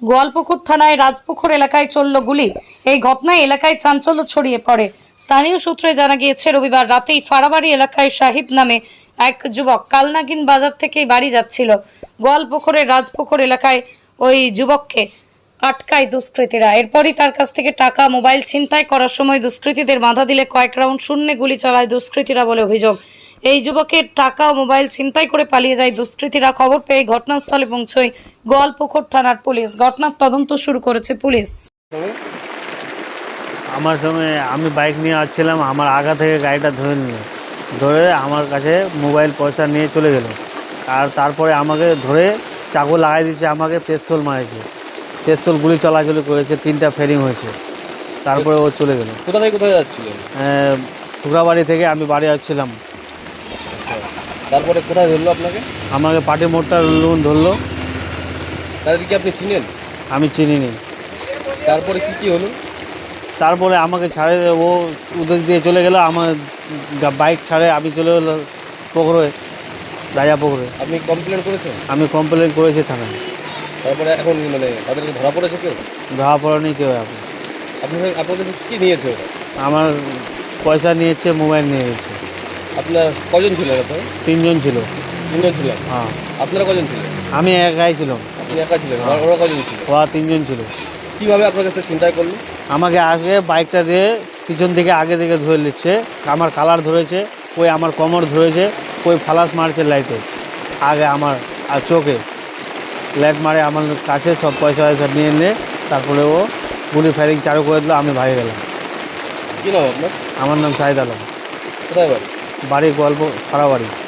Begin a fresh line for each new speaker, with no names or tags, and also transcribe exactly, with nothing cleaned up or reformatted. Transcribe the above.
গোয়ালপুকুর থানায় রাজপুকুর এলাকায় চলল গুলি। এই ঘটনায় এলাকায় চাঞ্চল্য ছড়িয়ে পড়ে। স্থানীয় সূত্রে জানা গিয়েছে, রবিবার রাতেই ফাড়াবাড়ি এলাকায় শাহিদ নামে এক যুবক কালনাগিন বাজার থেকে বাড়ি যাচ্ছিল। গোয়ালপুকুরের রাজপুকুর এলাকায় ওই যুবককে আটকায় দুষ্কৃতীরা। এরপরই তার কাছ থেকে টাকা, মোবাইল ছিনতাই করার সময় দুষ্কৃতীদের বাধা দিলে কয়েক রাউন্ড শূন্যে গুলি চালায় দুষ্কৃতীরা বলে অভিযোগ। এই যুবকের টাকা ও মোবাইল ছিনতাই করে পালিয়ে যায় দুষ্কৃতীরা। খবর পেয়ে ঘটনাস্থলে পৌঁছয় গোয়ালপুকুর থানার পুলিশ। ঘটনার তদন্ত শুরু করেছে পুলিশ।
আমার সঙ্গে আমি বাইক নিয়ে আসছিলাম, আমার আগা থেকে গাড়িটা ধরে নিল, ধরে আমার কাছে মোবাইল পয়সা নিয়ে চলে গেল। আর তারপরে আমাকে ধরে চাকু লাগাই দিচ্ছে, আমাকে পেস্তল মারেছে, পেস্তল গুলি চলাচলি করেছে, তিনটা ফেরিং হয়েছে। তারপরে ও চলে গেল।
কোথা থেকে কোথায় যাচ্ছিলেন?
শুক্রাবাড়ি থেকে আমি বাড়ি আসছিলাম।
তারপরে কোথায় ধরলো আপনাকে?
আমাকে পাটি মোড়টা লোন ধরলো।
তাদেরকে আপনি চিনেন?
আমি চিনিনি।
তারপরে কি কি হলো?
তারপরে আমাকে ছাড়ে, ও উদ্যোগ দিয়ে চলে গেল, আমার বাইক ছাড়ে আমি চলে গেলো পুকুরে, রাজা পুকুরে।
আপনি কমপ্লেন করেছেন?
আমি কমপ্লেন করেছি থানায়।
তারপরে এখন মানে তাদেরকে ধরা পড়েছে কেউ?
ধরা পড়েনি কেউ। এখন
আপনি আপনার কাছে কী নিয়েছে ওরা?
আমার পয়সা নিয়েছে, মোবাইল নিয়ে গেছে।
আপনার কজন ছিলেন? আপনার
তিনজন ছিল।
তিনজন ছিলেন?
হ্যাঁ।
আপনারা কজন ছিলেন?
আমি একাই ছিলাম।
আপনি একা ছিলেন? আর ওরা কজন ছিল?
ওরা তিনজন ছিল।
কীভাবে আপনার কাছে চিন্তাই করলো?
আমাকে আগে বাইকটা দিয়ে পিছন থেকে আগে থেকে ধরে নিচ্ছে, আমার কালার ধরেছে, ওই আমার কোমর ধরেছে, ওই ফালাস মারছে লাইটে আগে আমার আর চোখে লাইট মারে আমার কাছে, সব পয়সা পয়সা নিয়ে নিয়ে তারপরে ও গুলি ফায়ারিং চালু করে দিল। আমি ভাগে গেলাম।
কী নাম আপনার?
আমার নাম শাহিদ আলম।
কোথায় বাড়ি?
বাড়ি গল্প ফাড়াবাড়ি।